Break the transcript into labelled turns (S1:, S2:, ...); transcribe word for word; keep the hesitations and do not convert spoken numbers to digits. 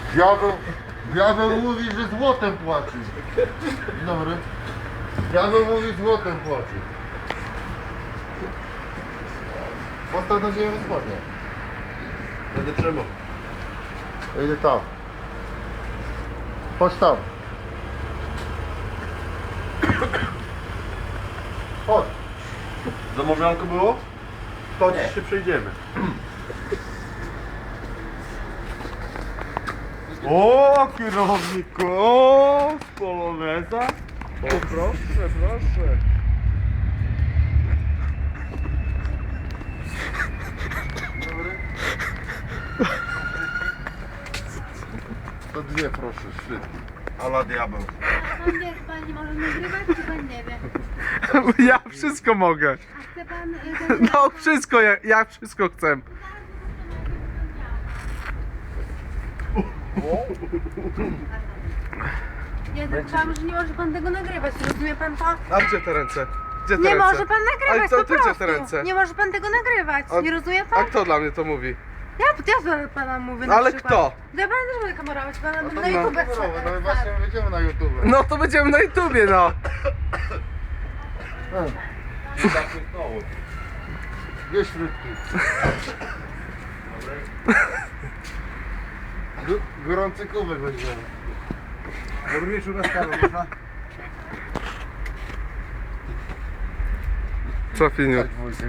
S1: Diabeł, diabeł mówi, że złotem płaci. Dzień dobry. Diabeł mówi, złotem płaci. Postaw na ziemię spodnie.
S2: Będę trzymał.
S1: Ja idę tam. Chodź tam. Chodź.
S2: Zamawianko było? To dziś się przejdziemy. O, kierowniku! O, z poloneza. O, proszę, proszę.
S1: Dobry. To dwie proszę, szybki.
S2: Ala diabeł.
S3: Pan wie, pan nie może nagrywać, czy pan nie wie?
S4: Ja wszystko mogę.
S3: A chce pan... y, ten-
S4: No wszystko, ja, ja wszystko chcę.
S3: Ja zaczęłam, że nie może pan tego nagrywać, rozumie pan to?
S4: A gdzie te ręce? Gdzie te
S3: Nie
S4: ręce?
S3: może pan nagrywać,
S4: Ale co,
S3: po
S4: ty gdzie
S3: prostu.
S4: te ręce?
S3: Nie może pan tego nagrywać,
S4: A-
S3: nie rozumie
S4: A
S3: pan?
S4: kto dla mnie to mówi?
S3: Ja, ja za pana mówię na
S4: Ale
S3: przykład.
S4: kto?
S3: Ja pana też będę kamerować, pana
S1: No
S3: na
S1: to
S3: YouTube
S1: na-
S3: chcę
S1: no i
S3: teraz,
S1: właśnie
S3: tak.
S1: będziemy na YouTube.
S4: No to będziemy na YouTubie, no.
S1: Hmm. Gdzie śrutki? G- Gorący kubek weźmiemy.
S2: Dobry wieczór, na stałe, można?
S4: Co, Finiu?
S1: Tak, Wojtek,